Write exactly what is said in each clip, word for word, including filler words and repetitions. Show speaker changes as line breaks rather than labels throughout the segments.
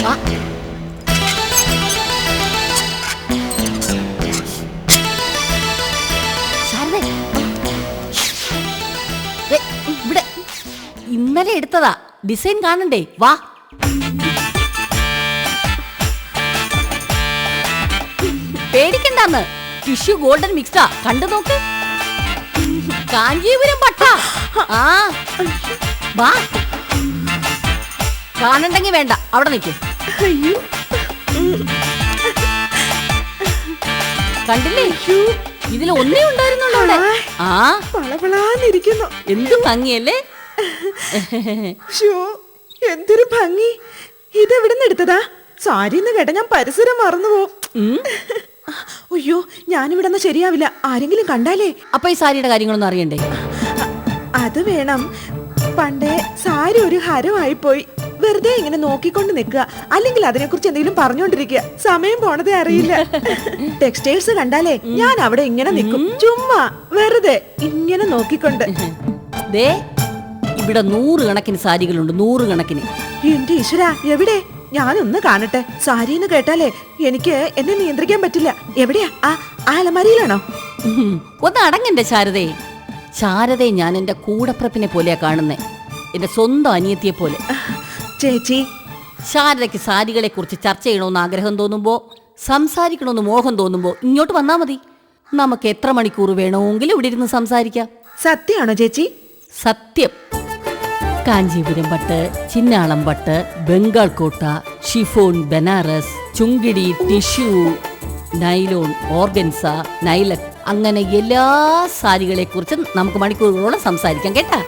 ഇവിടെ ഇന്നലെ എടുത്തതാ, ഡിസൈൻ കാണണ്ടേ? വാ. പേടിക്കണ്ടെന്ന്, ടിഷ്യൂ ഗോൾഡൻ മിക്സാ, കണ്ടു നോക്ക്. കാഞ്ചീപുരം പട്ട. ആ വാ. കാണണ്ടെങ്കി വേണ്ട, അവിടെ നിൽക്കും. കണ്ടില്ലേ? ഇതിൽ ഒന്നേ ഉണ്ടായിരുന്നുള്ളൂ അവിടെ. ആ
പളപളാന്നിരിക്കുന്നു.
എന്ത് ഭംഗിയല്ലേ?
എന്തൊരു ഭംഗി. ഇതെവിടുന്ന് എടുത്തതാ? സാരിന്ന് കേട്ട ഞാൻ പരിസരം മറന്നു പോവും. അയ്യോ, ഞാനിവിടെന്ന് ശരിയാവില്ല, ആരെങ്കിലും കണ്ടാലേ.
അപ്പൊ ഈ സാരിയുടെ കാര്യങ്ങളൊന്നും അറിയണ്ടേ?
അത് വേണം. പണ്ടേ സാരി ഒരു ഹരമായി പോയി. വെറുതെ ഇങ്ങനെ നോക്കിക്കൊണ്ട് നിൽക്കുക, അല്ലെങ്കിൽ അതിനെ കുറിച്ച് എന്തെങ്കിലും പറഞ്ഞോണ്ടിരിക്കുക. സമയം പോണതേ അറിയില്ല. ടെക്സ്റ്റൈൽസ് കണ്ടാലേ ഞാൻ അവിടെ ഇങ്ങനെ നിൽക്കും, ചുമ്മാ വെറുതെ ഇങ്ങനെ നോക്കിക്കൊണ്ട്.
ദേ ഇവിടെ നൂറുകണക്കിന് സാരികളുണ്ട്, നൂറുകണക്കിന്.
എന്റെ ഈശ്വര, എവിടെ? ഞാനൊന്ന് കാണട്ടെ. സാരിന്ന് കേട്ടാലേ എനിക്ക് എന്നെ നിയന്ത്രിക്കാൻ പറ്റില്ല. എവിടെയാ? ആ അലമാരിയിലാണോ?
ഒന്ന് അടങ്ങന്റെ ശാരദേ. ശാരദയെ ഞാൻ എന്റെ കൂടപ്പിറപ്പിനെ പോലെയാ കാണുന്നേ, എന്റെ സ്വന്തം അനിയത്തിയെ പോലെ.
ചേച്ചി,
ശാരദയ്ക്ക് സാരികളെ കുറിച്ച് ചർച്ച ചെയ്യണമെന്ന് ആഗ്രഹം തോന്നുമ്പോ, സംസാരിക്കണമെന്ന് മോഹം തോന്നുമ്പോ ഇങ്ങോട്ട് വന്നാ മതി. നമുക്ക് എത്ര മണിക്കൂർ വേണമെങ്കിലും ഇവിടെ ഇരുന്ന് സംസാരിക്കാം.
സത്യമാണോ ചേച്ചി?
സത്യം. കാഞ്ചീപുരം പട്ട്, ചിന്നാളം പട്ട്, Bengal Kota, chiffon, Banaras, Chungidi, tissue, nylon, organza, നൈലക്, അങ്ങനെ എല്ലാ സാരികളെ കുറിച്ചും നമുക്ക് മണിക്കൂറുകളോളം സംസാരിക്കാം കേട്ടാ.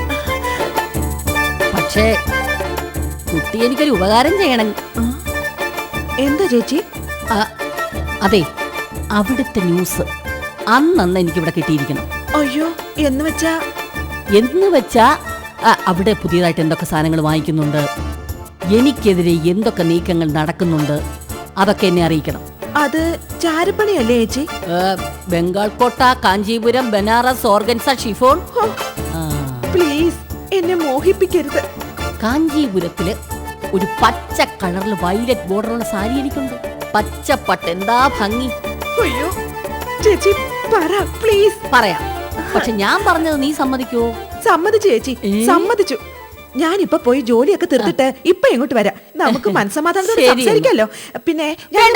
പക്ഷേ കുട്ടി എനിക്കൊരു ഉപകാരം ചെയ്യണം.
എന്താ ചേച്ചി?
അതെ, അവിടുത്തെ ന്യൂസ് അന്നന്ന് എനിക്കിവിടെ കിട്ടിയിരിക്കണം.
അയ്യോ, എന്ന് വെച്ചാ?
എന്ന് വെച്ചാ അവിടെ പുതിയതായിട്ട് എന്തൊക്കെ സാധനങ്ങൾ വാങ്ങിക്കുന്നുണ്ട്, എനിക്കെതിരെ എന്തൊക്കെ നീക്കങ്ങൾ നടക്കുന്നുണ്ട്, അതൊക്കെ എന്നെ അറിയിക്കണം.
അത് ചാരപ്പണിയല്ലേ ചേച്ചി?
Bengal Kota, Kanchipuram, Banaras, organza, chiffon.
Please എന്നെ മോഹിപ്പിക്കരുത്.
കാഞ്ചീപുരത്തില് ഒരു പച്ച കളറിൽ വയലറ്റ് ബോർഡറുള്ള സാരി എനിക്കുണ്ട്. പച്ചപ്പട്ട്, എന്താ ഭംഗി.
അയ്യോ ചേച്ചി പറ പ്ലീസ്.
പറയാം, പക്ഷെ ഞാൻ പറഞ്ഞത് നീ സമ്മതിക്കോ?
സമ്മതിച്ചു ചേച്ചി, സമ്മതിച്ചു. ഞാനിപ്പൊ പോയി ജോലിയൊക്കെ തീർത്തിട്ട് ഇപ്പൊ ഇങ്ങോട്ട് വരാം. നമുക്ക് മനസ്സമാധാനത്തോടെ സംസാരിക്കാലോ. പിന്നെ ഞാൻ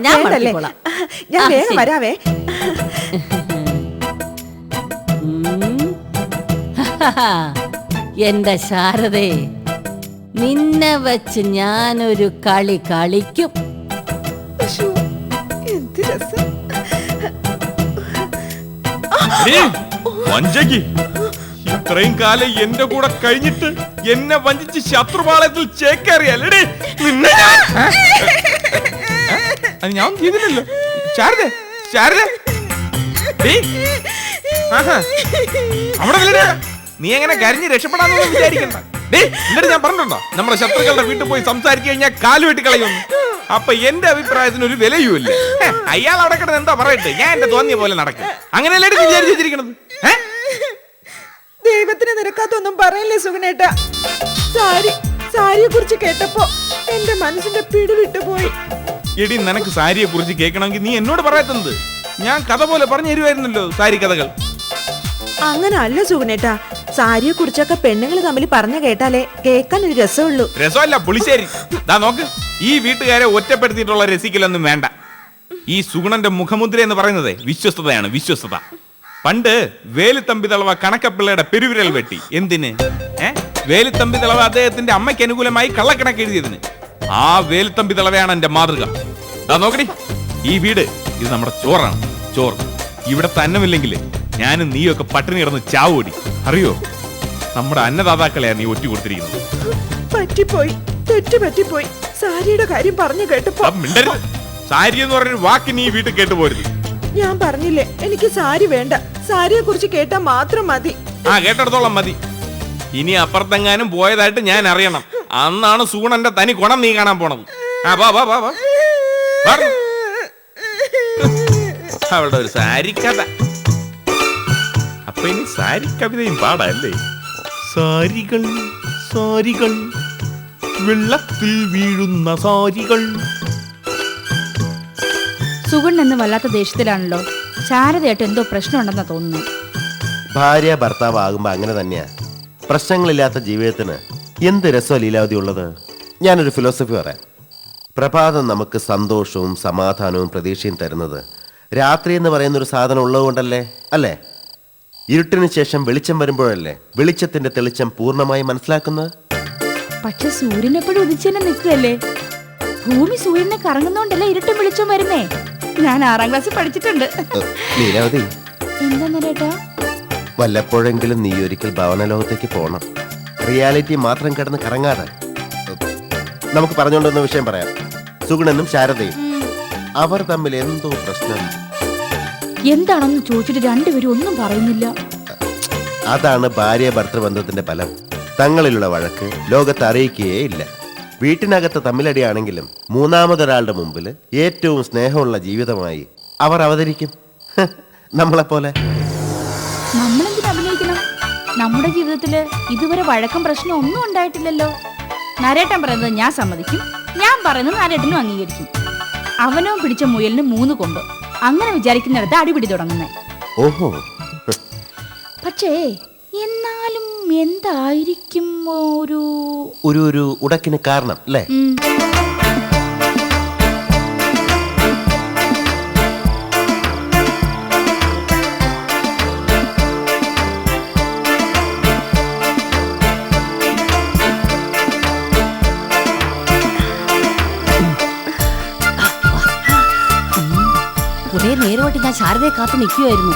വേഗം വരാവേ.
എന്റെ ശാരദേ, നിന്നെ വെച്ച് ഞാനൊരു കളി കളിക്കും.
എന്ത് രസം.
ഇത്രയും കാലം എന്റെ കൂടെ കഴിഞ്ഞിട്ട് എന്നെ വഞ്ചിച്ച് ശത്രുപാളയത്തിൽ ചേക്കേറിയല്ലേ നിന്നെ? ഞാൻ ചെയ്തില്ലല്ലോ. ശാരദ, ശാരദ, അവിടെ നീ എങ്ങനെ കരഞ്ഞ് രക്ഷപ്പെടാന്ന് വിചാരിക്കണ്ട. എന്നിട്ട് ഞാൻ പറഞ്ഞിട്ടുണ്ടോ നമ്മുടെ ശത്രുക്കളുടെ വീട്ടിൽ പോയി സംസാരിച്ചു കഴിഞ്ഞാൽ കാല് വെട്ടി കളയുന്നു? അപ്പൊ എന്റെ അഭിപ്രായത്തിന് ഒരു വിലയുമില്ല. അയാൾ അവിടെ കിടന്ന് എന്താ പറയട്ടെ, ഞാൻ എന്റെ തോന്നിയ പോലെ നടക്കും. അങ്ങനെയല്ലേ വിചാരിച്ചു വെച്ചിരിക്കണത്?
ദൈവത്തിന് നിരക്കാത്തൊന്നും പറയല്ലേ സുഗുണേട്ട. സാരി സാരിയെ കുറിച്ച് കേട്ടപ്പോ എന്റെ മനസ്സിന്റെ പിടി വിട്ടുപോയി.
എടി, നിനക്ക് സാരിയെ കുറിച്ച് കേൾക്കണമെങ്കിൽ നീ എന്നോട് പറയാത്തത്? ഞാൻ കഥ പോലെ പറഞ്ഞു തരുമായിരുന്നല്ലോ സാരി കഥകൾ.
അങ്ങനെ അല്ല സുഗുണേട്ട, സാരിയെ കുറിച്ചൊക്കെ പെണ്ണുങ്ങൾ തമ്മിൽ പറഞ്ഞു കേട്ടാലേ കേൾക്കാൻ ഒരു രസമുള്ളൂ.
രസമല്ല, പുളിശ്ശേരി. ദാ നോക്ക്, ഈ വീട്ടുകാരെ ഒറ്റപ്പെടുത്തിയിട്ടുള്ള രസിക്കലൊന്നും വേണ്ട. ഈ സുഗുണന്റെ മുഖമുദ്ര എന്ന് പറയുന്നത് വിശ്വസ്തതയാണ്, വിശ്വസ്തത. പണ്ട് വേലുത്തമ്പി തളവ കണക്കപ്പിള്ളയുടെ പെരുവിരൽ വെട്ടി. എന്തിന്? ഏ വേലുത്തമ്പി തളവ അദ്ദേഹത്തിന്റെ അമ്മയ്ക്ക് അനുകൂലമായി കള്ളക്കണക്ക് എഴുതിയതിന്. ആ വേലുത്തമ്പി തളവയാണ് എന്റെ മാതൃക. ദാ നോക്കടി, ഈ വീട് ഇത് നമ്മുടെ ചോറാണ്, ചോറ്. ഇവിടെ തന്നമില്ലെങ്കിൽ ഞാനും നീയൊക്കെ പട്ടിണി കിടന്ന് ചാവോടി. അറിയോ, നമ്മുടെ അന്നദാതാക്കളെയാ നീ ഒറ്റ കൊടുത്തിരിക്കുന്നത്.
പറ്റിപ്പോയി, തെറ്റു പറ്റിപ്പോയി. സാരിയുടെ കാര്യം പറഞ്ഞു കേട്ടപ്പോ.
സാരി എന്ന് പറഞ്ഞൊരു വാക്ക് നീ വീട്ടിൽ കേട്ടുപോരുത്.
ഞാൻ പറഞ്ഞില്ലേ എനിക്ക് സാരി വേണ്ട. സാരിയെ കുറിച്ച് കേട്ടാ മാത്രം മതി.
ആ, കേട്ടിടത്തോളം മതി. ഇനി അപ്പുറത്തെങ്ങാനും പോയതായിട്ട് ഞാൻ അറിയണം. അന്നാണ് സൂണന്റെ തനി ഗുണം നീ കാണാൻ പോണത്. ആ വാ വാ വാ. അവളുടെ ഒരു സാരി കഥ. അപ്പൊ ഇനി സാരി കവിതയും പാടല്ലേ? സാരികൾ സാരികൾ വെള്ളത്തിൽ വീഴുന്ന സാരികൾ.
സുഗുൺ എന്ന് വല്ലാത്ത ദേഷ്യത്തിലാണല്ലോ. ശാരദയായിട്ട് എന്തോ പ്രശ്നമുണ്ടെന്നാ തോന്നുന്നു.
ഭാര്യ ഭർത്താവ് ആകുമ്പോ അങ്ങനെ തന്നെയാ. പ്രശ്നങ്ങളില്ലാത്ത ജീവിതത്തിന് എന്ത് രസമാണ് ലീലാവതി ഉള്ളത്. ഞാനൊരു ഫിലോസഫി പറയാം. പ്രഭാതം നമുക്ക് സന്തോഷവും സമാധാനവും പ്രതീക്ഷയും തരുന്നത് രാത്രി എന്ന് പറയുന്ന ഒരു സാധനം ഉള്ളതുകൊണ്ടല്ലേ അല്ലേ? ഇരുട്ടിന് ശേഷം വെളിച്ചം വരുമ്പോഴല്ലേ വെളിച്ചത്തിന്റെ തെളിച്ചം പൂർണ്ണമായി മനസ്സിലാക്കുന്നത്.
പക്ഷെ സൂര്യൻ എപ്പോഴും ഉദിച്ചെന്നെ നിൽക്കുകയല്ലേ. ഭൂമി സൂര്യനെ കറങ്ങുന്നോണ്ടല്ലേ ഇരുട്ടും വെളിച്ചം വരുന്നേ. ഞാൻ ആറാം ക്ലാസ്സിൽ പഠിച്ചിട്ടുണ്ട്.
ലീലാവതി,
എന്താ ചേട്ടാ?
വല്ലപ്പോഴെങ്കിലും നീ ഒരിക്കൽ ഭവനലോകത്തേക്ക് പോകണം. റിയാലിറ്റി മാത്രം കിടന്ന് കറങ്ങാതെ. നമുക്ക് പറഞ്ഞുകൊണ്ടിരുന്ന വിഷയം പറയാം. സുഗുണനും ശാരദയും അവർ തമ്മിൽ എന്തോ പ്രശ്നം.
എന്താണെന്ന് ചോദിച്ചിട്ട് രണ്ടുപേരും ഒന്നും പറയുന്നില്ല.
അതാണ് ഭാര്യ ഭർത്തൃബന്ധത്തിന്റെ ഫലം. തങ്ങളിലുള്ള വഴക്ക് ലോകത്ത് അറിയിക്കുകയേ ഇല്ല. വീട്ടിനകത്ത് തമ്മിലടിയാണെങ്കിലും മൂന്നാമതൊരാളുടെ മുമ്പിൽ ഏറ്റവും സ്നേഹമുള്ള ജീവിതമായി അവർ അവതരിക്കും. നമ്മളെപ്പോലെ.
നമ്മളെന്തിനു അഭിനയിക്കണം? നമ്മുടെ ജീവിതത്തില് ഇതുവരെ വഴക്കം പ്രശ്നം ഒന്നും ഉണ്ടായിട്ടില്ലല്ലോ. നരേട്ടൻ പറയുന്നത് ഞാൻ സമ്മതിക്കും, ഞാൻ പറയുന്നത് നരേട്ടനും അംഗീകരിക്കും. അവനോ പിടിച്ച മുയലിന് മൂന്ന് കൊമ്പ്. അങ്ങനെ വിചാരിക്കുന്നിടത്ത് അടിപിടി തുടങ്ങുന്നേ.
ഓഹോ.
പക്ഷേ എന്നാലും എന്തായിരിക്കും ഒരു
ഒരു ഒരു ഉടക്കിന് കാരണം അല്ലേ?
ഉം.
കുറെ നേരമായിട്ട് ഞാൻ ശാരദയെ കാത്തു നിൽക്കുമായിരുന്നു.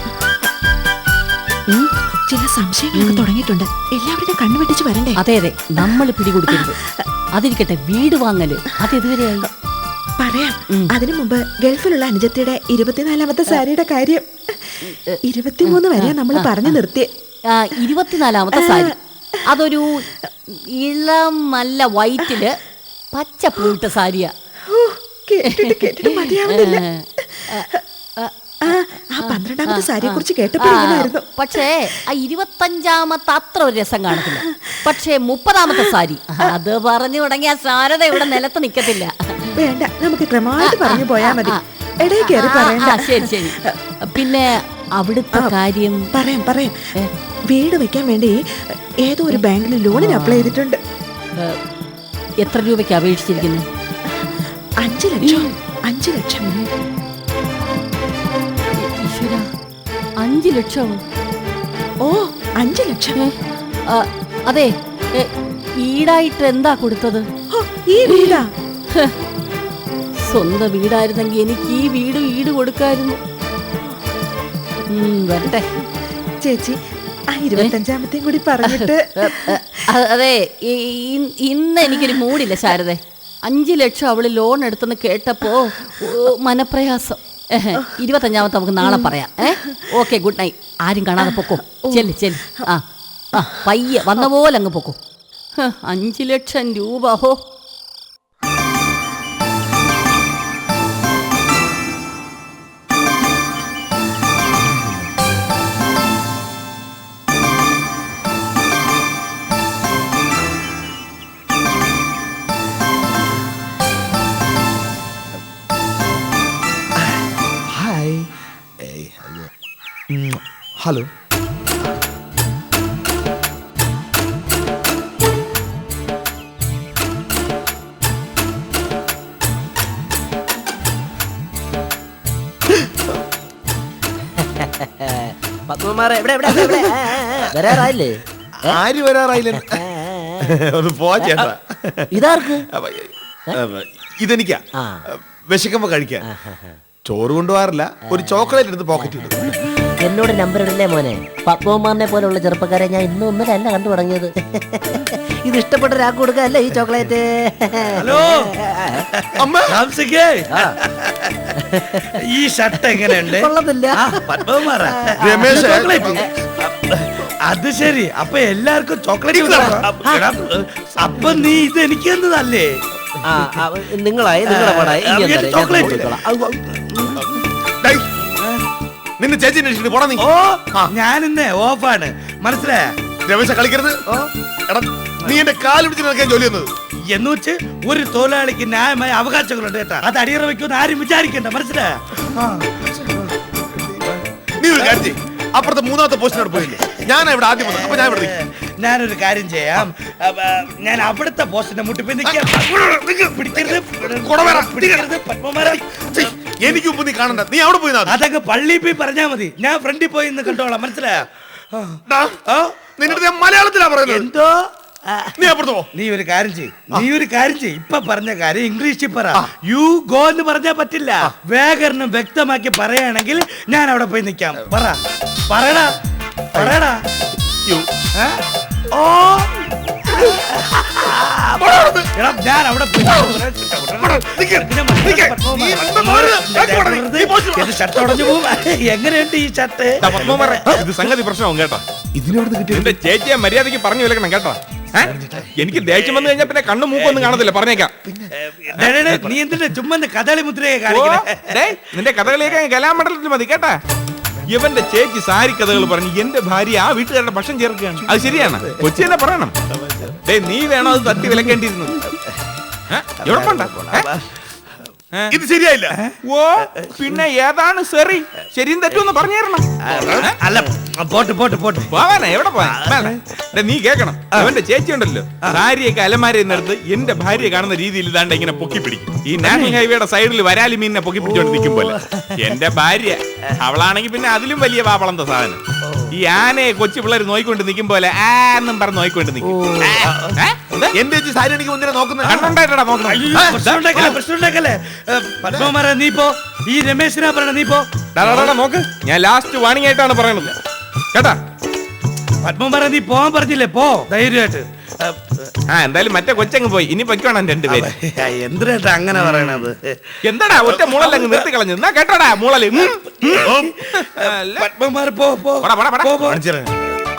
ചില സംശയങ്ങളൊക്കെ തുടങ്ങിയിട്ടുണ്ട്. എല്ലാവരുടെ കണ്ണു വെട്ടിച്ച് വരണ്ടേ?
അതെ അതെ, നമ്മൾ പിടികൊടുക്കരുത്. അതിരിക്കട്ടെ, വീട് വാങ്ങല് അതെതുവരെയായി?
പറയാം. അതിനു മുമ്പ് ഗൾഫിലുള്ള അനുജത്തിയുടെ ഇരുപത്തിനാലാമത്തെ സാരിയുടെ കാര്യം. ഇരുപത്തിമൂന്ന് വരെയാ നമ്മൾ പറഞ്ഞു നിർത്തിയേ.
ആ, ഇരുപത്തിനാലാമത്തെ സാരി. അതൊരു ഇളം നല്ല വൈറ്റില് പച്ച പൂവിട്ട സാരിയാ.
ഓ, കേട്ടിട്ട് കേട്ടിട്ട് മതിയാവുന്നില്ല. ആ, ആ പന്ത്രണ്ടാമത്തെ സാരിയെ കുറിച്ച് കേട്ടപ്പോ ഇങ്ങനെയായിരുന്നു.
പക്ഷേ ആ ഇരുപത്തഞ്ചാമത്തെ അത്ര ഒരു രസം കാണത്തില്ല. പക്ഷേ മുപ്പതാമത്തെ സാരി, അത് പറഞ്ഞു തുടങ്ങിയ ശാരദ ഇവിടെ നിലത്ത് നിക്കത്തില്ല.
വേണ്ട, നമുക്ക് ക്രമമായിട്ട് പറഞ്ഞു പോയാ മതി. ഇടയിൽ കയറി പറയണ്ട.
ആ, ശരി ശരി. പിന്നെ അവിടുത്തെ കാര്യം
പറയാം പറയാം. വീട് വെക്കാൻ വേണ്ടി ഏതോ ഒരു ബാങ്കിൽ ലോണിന് അപ്ലൈ ചെയ്തിട്ടുണ്ട്.
എത്ര രൂപയ്ക്ക് അപേക്ഷിച്ചിരിക്കുന്നു?
അഞ്ചു ലക്ഷം. അഞ്ചു ലക്ഷം.
ഈശ്വരാ, അഞ്ചു ലക്ഷം?
ഓ, അഞ്ചു ലക്ഷം.
ആ, അതെ, ഏ, ഈടായിട്ട് എന്താ കൊടുത്തത്?
ഓ, ഈ വീടാ?
സ്വന്തം വീടായിരുന്നെങ്കിൽ എനിക്ക് ഈ വീട് ഈട് കൊടുക്കായിരുന്നു. ഉം, വരട്ടെ
ചേച്ചി, ആ ഇരുപത്തഞ്ചാമത്തെയും കൂടി പറഞ്ഞിട്ട്.
അ- അതെ, ഈ- ഈ- ഇന്ന് എനിക്കൊരു മൂടില്ല ശാരദേ. അഞ്ചു ലക്ഷം അവള് ലോൺ എടുത്തെന്ന് കേട്ടപ്പോ ഓ, മനപ്രയാസം. ഏഹ്, ഇരുപത്തഞ്ചാമത്തെ നമുക്ക് നാളെ പറയാം. ഏഹ്, ഓക്കെ, ഗുഡ് നൈറ്റ്. ആരും കാണാതെ പൊക്കോ. ചെല്ല് ചെല്ല്. ആ ആ പയ്യെ വന്ന പോലെ അങ്ങ് പൊക്കോ. ഹ്, അഞ്ചു ലക്ഷം രൂപ. ഹോ,
ഹായ്. ഹലോ.
പത്മകുമാറെ, എവിടെ എവിടെ എവിടെ? ആ, ആ, ആ. വരാറായില്ലേ?
ആര് വരാറായില്ല? ഒന്ന് പോ ചേട്ടാ.
ഇതാർക്ക്?
അപ്പൊ, അപ്പൊ, ഇതെനിക്കാ.
ആ.
വിശക്കുമ്പോ കഴിക്കാൻ. ചോറ് കൊണ്ടുപോകാറില്ല, ഒരു ചോക്ലേറ്റ് എടുത്ത് പോക്കറ്റ് ഇട്ടു.
എന്നോട് നമ്പർ ഇടല്ലേ മോനെ. പത്മകുമാറിനെ പോലുള്ള ചെറുപ്പക്കാരെ ഞാൻ ഇന്നും ഒന്നിലല്ല കണ്ടു തുടങ്ങിയത്. ഇത് ഇഷ്ടപ്പെട്ട ഒരാൾക്ക് കൊടുക്കല്ലേ ഈ ചോക്ലേറ്റ്?
ഹലോ അമ്മ, ഈ ഷർട്ട് എങ്ങനെയുണ്ട്?
കൊള്ളത്തില്ല.
പത്മകുമാറാ? രമേശ് ചോക്ലേറ്റ്. അത് ശരി, അപ്പൊ എല്ലാവർക്കും ചോക്ലേറ്റ്. അപ്പൊ നീ ഇത് എനിക്ക് തന്നതല്ലേ?
ആ, ആ, നിങ്ങളായി നിങ്ങളെ പാടായി. ഇനി എന്താ അറിയാം, ഞാൻ
ചോക്ലേറ്റ്.
കൊടുത്തോളാം.
നിന്നെ ചേച്ചി പോടാ നീ.
ഓ, ഞാൻ ഇന്ന് ഓഫാണ്, മനസ്സിലായ?
രമേശ കളിക്കരുത്. എടാ, നീ എന്റെ കാല് പിടിച്ച് നിൽക്കാൻ ജോലി വന്നത്.
എന്ന് വെച്ച് ഒരു തൊഴിലാളിക്ക് ന്യായമായ അവകാശങ്ങളുണ്ട് കേട്ടാ. അത് അടിയറ വെക്കുമെന്ന് ആരും വിചാരിക്കണ്ട, മനസ്സിലായോ?
നീ ഒരു കാര്യം ചെയ്യ്. അപ്പുറത്തെ മൂന്നാമത്തെ പോസ്റ്റിനോട് പോയില്ലേ? ഞാൻ ഇവിടെ ആദ്യം വന്നു. അപ്പൊ ഞാൻ ഇവിടെ നിൽക്കാം.
ഞാനൊരു കാര്യം ചെയ്യാം. അപ്പ, ഞാൻ അവിടുത്തെ പോസ്റ്റിന്റെ മുട്ടിപ്പോയി നിൽക്കാം. പിടിക്കരുത്, പിടിക്കരുത്, പത്മമാരാ.
എനിക്ക് മുമ്പ് നീ കാണണ്ട. നീ അവിടെ പോയി നാ-
അതൊക്കെ പള്ളിയിൽ പോയി പറഞ്ഞാ മതി. ഞാൻ ഫ്രണ്ടിൽ പോയി ഇന്ന് കണ്ടോളാം, മനസ്സിലായോ?
ഡാ, നിന്റെ അടുത്ത് ഞാൻ മലയാളത്തിലാ പറയുന്നത്.
എന്തോ
നീ അപ്പുറത്ത് പോ.
നീ ഒരു കാര്യം ചെയ്യ് നീ ഒരു കാര്യം ചെയ്യ് ഇപ്പൊ പറഞ്ഞ കാര്യം ഇംഗ്ലീഷിൽ പറ. യു ഗോ എന്ന് പറഞ്ഞാ പറ്റില്ല. വ്യാകരണം വ്യക്തമാക്കി പറയുകയാണെങ്കിൽ ഞാൻ അവിടെ പോയി നിൽക്കാം. പറ പറയടാ പറയടാ.
യു.
ഏ? ഓ എടാ, ഞാൻ അവിടെ പോയി ഷർട്ട് ഉടഞ്ഞു പോകും. എങ്ങനെയുണ്ട് ഈ ഷർട്ട്?
ദാ പത്മകുമാറേ, ഇത് സംഗതി പ്രശ്നവും കേട്ടോ.
ഇതിനോട് കിട്ടിയ
എന്റെ ചേച്ചിയെ മര്യാദയ്ക്ക് പറഞ്ഞു വിലക്കണം കേട്ടോ. ഏ? എനിക്ക് ദേഷ്യം വന്നു കഴിഞ്ഞാൽ പിന്നെ കണ്ണും മൂക്കൊന്നും കാണത്തില്ല, പറഞ്ഞേക്കാം.
ഡേ, ഡേ, ഡേ, നീ എന്തിന്റെ ചുമ്മാ കഥാളി മുദ്രയെ
ഓ,
കാണിക്കണേ?
ഡേയ്, നിന്റെ കഥകളിയൊക്കെ കലാമണ്ഡലത്തിൽ മതി കേട്ടാ. ഇവന്റെ ചേച്ചി സാരി കഥകൾ പറഞ്ഞ് എന്റെ ഭാര്യ ആ വീട്ടുകാരുടെ ഭക്ഷണം ചേർക്കുകയാണ്. അത് ശരിയാണ്. കൊച്ചി തന്നെ പറയണം. ഡേ, നീ വേണോ അത് തട്ടി വിലക്കേണ്ടിയിരുന്നു. ഏ? എവിടെ പോണ്ട? ഏ? ഏ?
ഇത് ശരിയായില്ല.
ഓ, പിന്നെ ഏതാണ് സെറി? ശരിയും തെറ്റുമെന്ന് പറഞ്ഞു തരണം.
അല്ല, പോട്ട് പോട്ട് പോട്ട്
പോവാനാ, എവിടെ പോവാൻ? നീ കേക്കണം, അവന്റെ ചേച്ചി ഉണ്ടല്ലോ, സാരിയൊക്കെ അലമാരയിൽ നിന്നെടുത്ത് എന്റെ ഭാര്യയെ കാണുന്ന രീതിയിൽ ഇതാണ്ട് ഇങ്ങനെ പൊക്കി പിടിക്കും. ഈ നാഷണൽ ഹൈവേയുടെ സൈഡിൽ വരാലി മീനിനെ പൊക്കി പിടിച്ചോണ്ട് നിൽക്കും പോലെ. എന്റെ ഭാര്യ അവളാണെങ്കിൽ പിന്നെ അതിലും വലിയ വാപ്പളന്ത സാധനം. ഈ ആനയെ കൊച്ചു പിള്ളേർ നോയിക്കൊണ്ട് നിൽക്കും പോലെ ആ എന്നും പറഞ്ഞ് നോയിക്കൊണ്ട് നിൽക്കും.
എന്റെ ചേച്ചി സാരി എനിക്ക് മുന്നേ നോക്കുന്നത്
കണ്ണുണ്ടായിട്ടാ നോക്കണം.
പ്രശ്നമുണ്ടാക്കല്ലേ? പത്മകുമാര നീ പോ. ഈ രമേശിനാ പറയണ നീ പോ.
നോക്ക്, ഞാൻ ലാസ്റ്റ് വാണിംഗ് ആയിട്ടാണ് പറയണത് കേട്ടാ.
പത്മകുമാര നീ പോവാൻ പറഞ്ഞില്ലേ, പോ ധൈര്യമായിട്ട്.
ആ, എന്തായാലും മറ്റേ കൊച്ചങ്ങ് പോയി. ഇനി പൊയ്ക്കോണം രണ്ടുപേര്.
എന്തിനാ അങ്ങനെ പറയണത്?
എന്താടാ ഒറ്റ മൂളല്ലങ്ങ് നിർത്തി കളഞ്ഞു. എന്നാ കേട്ടോടാ മൂളല്.
പത്മകുമാര പോ പോ
പോടാ, പോടാ, പോടാ.
പോ, പോ.
കാണിച്ചു തരാം.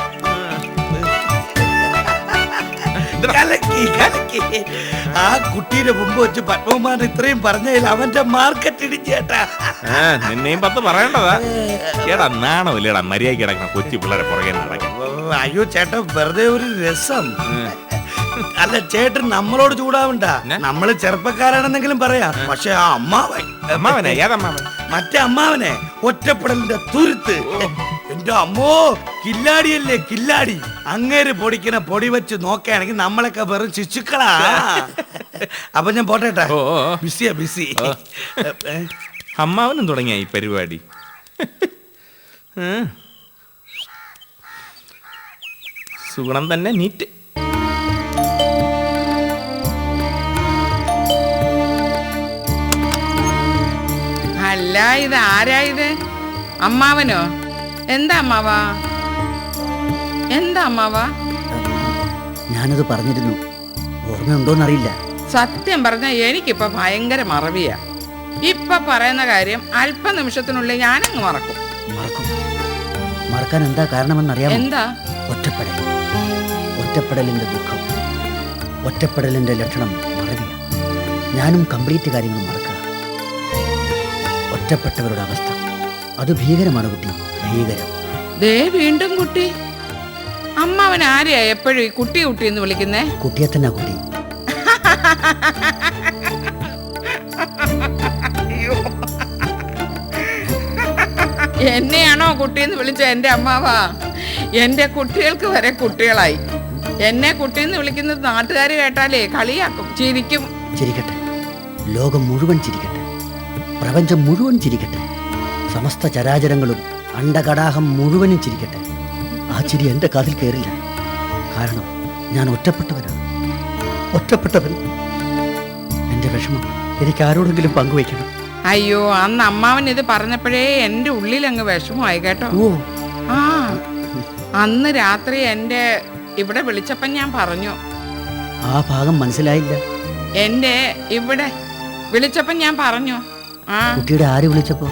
കലക്കി കലക്കി. ആ കുട്ടിയുടെ മുമ്പ് വെച്ച് പത്മകുമാരൻ ഇത്രയും പറഞ്ഞതിൽ അവന്റെ മാർക്കറ്റ് ഇടിച്ചേട്ടാ.
ആ, നിന്നെയും പത്ത് പറയേണ്ടതാ. ഏടാ നാണമില്ലേടാ മര്യാദ കിടക്കണം കൊച്ചു പിള്ളേരെ പുറകെ നടക്കാൻ.
അയ്യോ ചേട്ടാ, വെറുതെ ഒരു രസം. അല്ല ചേട്ടൻ നമ്മളോട് ചൂടാവണ്ട. നമ്മള് ചെറുപ്പക്കാരാണെന്നെങ്കിലും പറയാം. പക്ഷെ ആ അമ്മാവൻ
അമ്മാവനെ ഏതമ്മാവൻ?
മറ്റേ അമ്മാവനെ ഒറ്റപ്പെടലിന്റെ തുരുത്ത്. എന്റെ അമ്മോ, കില്ലാടിയല്ലേ കില്ലാടി. അങ്ങേര് പൊടിക്കണ പൊടി വെച്ച് നോക്കുകയാണെങ്കിൽ നമ്മളൊക്കെ വെറും ശിശുക്കളാ. അപ്പൊ ഞാൻ പോട്ടേട്ടാ,
ഓ, ഓ.
ബിസിയാ ബിസി.
അമ്മാവനും തുടങ്ങിയ ഈ പരിപാടി. സുഗുണം തന്നെ നീറ്റ്.
അല്ല, ഇത് ആരാ ഇത്? അമ്മാവനോ? എന്താ അമ്മാവാ? എന്താ അമ്മാവാ?
ഞാനത് പറഞ്ഞിരുന്നു, ഓർമ്മയുണ്ടോന്നറിയില്ല.
സത്യം പറഞ്ഞ എനിക്കിപ്പോ ഭയങ്കര മറവിയാ. ഇപ്പൊ പറയുന്ന കാര്യം അല്പ നിമിഷത്തിനുള്ളിൽ ഞാനങ്ങ് മറക്കും.
മറക്കും. മറക്കാൻ എന്താ കാരണമെന്നറിയാമോ?
എന്താ?
ഒറ്റപ്പെടൽ. ഒറ്റപ്പെടലിന്റെ ദുഃഖം, ഒറ്റപ്പെടലിന്റെ ലക്ഷണം മറവിയ. ഞാനും കംപ്ലീറ്റ് കാര്യങ്ങൾ മറക്കുക. ഒറ്റപ്പെട്ടവരുടെ അവസ്ഥ അത് ഭീകരമാണ് കുട്ടി, ഭീകരം.
ദേ വീണ്ടും കുട്ടി. അമ്മാവൻ ആരെയാ എപ്പോഴും ഈ കുട്ടി കുട്ടി എന്ന് വിളിക്കുന്നേ?
കുട്ടിയെ തന്നെ കുട്ടി.
എന്നെയാണോ കുട്ടിയെന്ന് വിളിച്ച എന്റെ അമ്മാവാ? എന്റെ കുട്ടികൾക്ക് വരെ കുട്ടികളായി. എന്നെ കുട്ടിയെന്ന് വിളിക്കുന്നത് നാട്ടുകാർ കേട്ടാലേ കളിയാക്കും, ചിരിക്കും.
ചിരിക്കട്ടെ, ലോകം മുഴുവൻ ചിരിക്കട്ടെ, പ്രപഞ്ചം മുഴുവൻ ചിരിക്കട്ടെ, സമസ്ത ചരാചരങ്ങളും അണ്ടകടാഹം മുഴുവനും ചിരിക്കട്ടെ. ആ ചിരി എൻ്റെ കാതിൽ കയറില്ല. കാരണം ഞാൻ ഒറ്റപ്പെട്ടവനാണ്. ഒറ്റപ്പെട്ടവൻ. എൻ്റെ വിഷമം എനിക്ക് ആരോടെങ്കിലും പങ്കുവയ്ക്കണം.
അയ്യോ, അന്ന് അമ്മാവൻ ഇത് പറഞ്ഞപ്പോഴേ എൻ്റെ ഉള്ളിൽ അങ്ങ് വിഷമമായി കേട്ടോ.
ഓ,
ആ, അന്ന് രാത്രി എൻ്റെ ഇവിടെ വിളിച്ചപ്പം ഞാൻ പറഞ്ഞു.
ആ ഭാഗം മനസ്സിലായില്ല.
എൻ്റെ ഇവിടെ വിളിച്ചപ്പം ഞാൻ പറഞ്ഞു. ആ,
കുട്ടിയുടെ ആര് വിളിച്ചപ്പോ?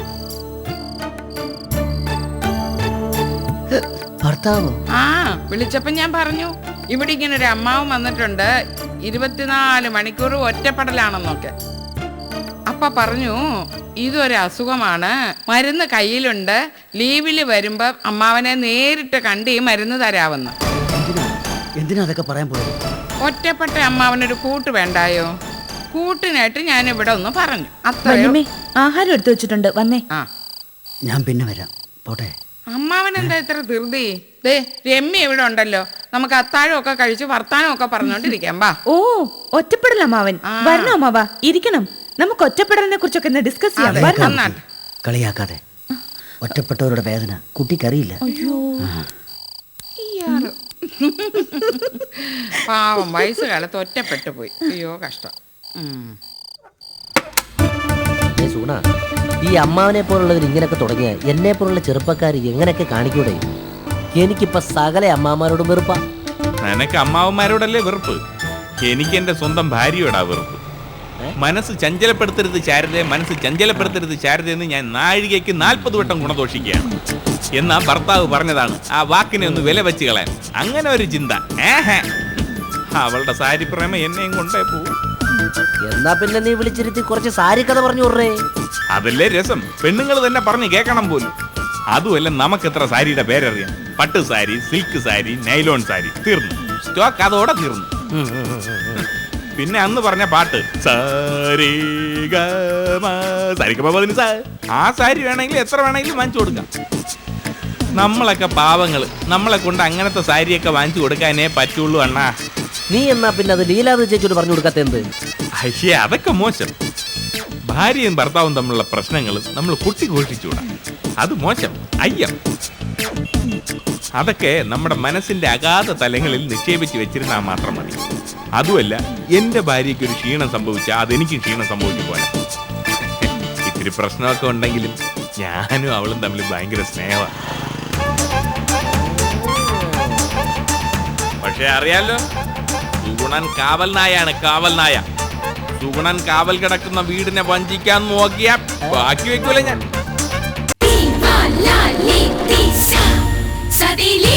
ഭർത്താവോ?
ആ, വിളിച്ചപ്പം ഞാൻ പറഞ്ഞു, ഇവിടെ ഇങ്ങനെ ഒരു അമ്മാവൻ വന്നിട്ടുണ്ട്, ഇരുപത്തിനാല് മണിക്കൂർ ഒറ്റപ്പെടലാണെന്നൊക്കെ. അപ്പ പറഞ്ഞു, ഇതൊരു അസുഖമാണ്, മരുന്ന് കയ്യിലുണ്ട്, ലീവിൽ വരുമ്പോ അമ്മാവനെ നേരിട്ട് കണ്ട് ഈ മരുന്ന് തരാമെന്ന്.
എന്തിനാ എന്തിനാ അതൊക്കെ പറയാൻ പോയത്?
ഒറ്റപ്പെട്ട അമ്മാവനൊരു കൂട്ട് വേണ്ടായോ? കൂട്ടിനായിട്ട് ഞാൻ ഇവിടെ ഒന്ന് പറഞ്ഞു അത്രയോ.
വല്യമ്മേ, ആഹാരം എടുത്തു വെച്ചിട്ടുണ്ട്, വന്നേ.
ആ
ഞാൻ പിന്നെ വരാം, പോട്ടെ.
അമ്മാവൻ എന്താ ഇത്ര ധൃതി? ദേ രമ്യ ഇവിടെ ഉണ്ടല്ലോ, നമുക്ക് അത്താഴം ഒക്കെ കഴിച്ച് വർത്താനം ഒക്കെ പറഞ്ഞോണ്ടിരിക്കാം. വാ.
ഓ, ഒറ്റപ്പെടൽ അമ്മാവൻ.
ആ.
വരണോ അമ്മാവാ? ഇരിക്കണം. നമുക്ക് ഒറ്റപ്പെടലിനെ കുറിച്ചൊക്കെ ഒന്ന് ഡിസ്കസ് ചെയ്യാം.
അതെ,
വരണം.
നന്നായിട്ട്.
കളിയാക്കാതെ. ഒറ്റപ്പെട്ടവരുടെ വേദന കുട്ടിക്കറിയില്ല.
ഇയാള്. പാവം വയസ്സ് കാലത്ത് ഒറ്റപ്പെട്ടു പോയി. അയ്യോ കഷ്ടം. ഉം.
ഏ സൂണ, ഈ അമ്മാവനെ പോലുള്ളവർ ഇങ്ങനെയൊക്കെ തുടങ്ങിയ എന്നെ പോലുള്ള ചെറുപ്പക്കാർ എങ്ങനെയൊക്കെ കാണിക്കൂടെ? എനിക്കിപ്പോ സകല അമ്മാമാരോടും വെറുപ്പാ.
നിനക്ക് അമ്മാവന്മാരോടല്ലേ വെറുപ്പ്? എനിക്ക് എന്റെ സ്വന്തം ഭാര്യയോടാ വെറുപ്പ്. മനസ്സ് ചഞ്ചലപ്പെടുത്തരുത് ശാരദയെ, മനസ്സ് ചഞ്ചലപ്പെടുത്തരുത് ശാരദയെന്ന് ഞാൻ നാഴികയ്ക്ക് നാൽപ്പത് വട്ടം ഗുണദോഷിക്കുകയാണ്. എന്നാ ഭർത്താവ് പറഞ്ഞതാണ് ആ വാക്കിനെ ഒന്ന് വില വെച്ച് കളയാൻ. അങ്ങനെ ഒരു ചിന്ത. ഏഹേ, അവളുടെ സാരി പ്രേമ എന്നെയും കൊണ്ടേ പോവും.
എന്നാ പിന്നെ നീ വിളിച്ചിരുത്തി കുറച്ച് സാരി കഥ പറഞ്ഞു വിടറേ.
അതല്ലേ രസം, പെണ്ണുങ്ങൾ തന്നെ പറഞ്ഞു കേൾക്കണം പോലും. അതുമല്ല, നമുക്ക് എത്ര സാരിയുടെ പേരറിയാം. പട്ട് സാരി, സിൽക്ക് സാരി, നൈലോൺ സാരി, തീർന്നു. സ്റ്റോക്ക് അതോടെ തീർന്നു. പിന്നെ അന്ന് പറഞ്ഞ പാട്ട് ആ സാരി വേണമെങ്കിൽ എത്ര വേണമെങ്കിലും വാങ്ങിച്ചു കൊടുക്കാം. നമ്മളൊക്കെ പാവങ്ങള്, നമ്മളെ കൊണ്ട് അങ്ങനത്തെ സാരിയൊക്കെ വാങ്ങിച്ചു കൊടുക്കാനേ പറ്റുള്ളൂ അണ്ണാ.
നീ എന്നാ പിന്നെ അത് ലീലാവ് ചേച്ചിയോട് പറഞ്ഞു കൊടുക്കാത്ത എന്ത്?
അയ്യേ, അതൊക്കെ മോശം. ഭാര്യയും ഭർത്താവും തമ്മിലുള്ള പ്രശ്നങ്ങൾ നമ്മൾ കുട്ടി ഘോഷിച്ചുകൂടാ, അത് മോശം. അയ്യം, അതൊക്കെ നമ്മുടെ മനസ്സിന്റെ അഗാധ തലങ്ങളിൽ നിക്ഷേപിച്ച് വെച്ചിരുന്നാൽ മാത്രം മതി. അതുമല്ല, എന്റെ ഭാര്യയ്ക്ക് ഒരു ക്ഷീണം സംഭവിച്ചാൽ അതെനിക്ക് ക്ഷീണം സംഭവിച്ചു പോലെ. ഇത്തിരി പ്രശ്നമൊക്കെ ഉണ്ടെങ്കിലും ഞാനും അവളും തമ്മിൽ ഭയങ്കര സ്നേഹമാണ്. പക്ഷെ അറിയാലോ, സുഗുണൻ കാവൽ നായാണ്, കാവൽ നായ. സുഗുണൻ കാവൽ കിടക്കുന്ന വീടിനെ വഞ്ചിക്കാൻ നോക്കിയാ ബാക്കി വെക്കൂല ഞാൻ.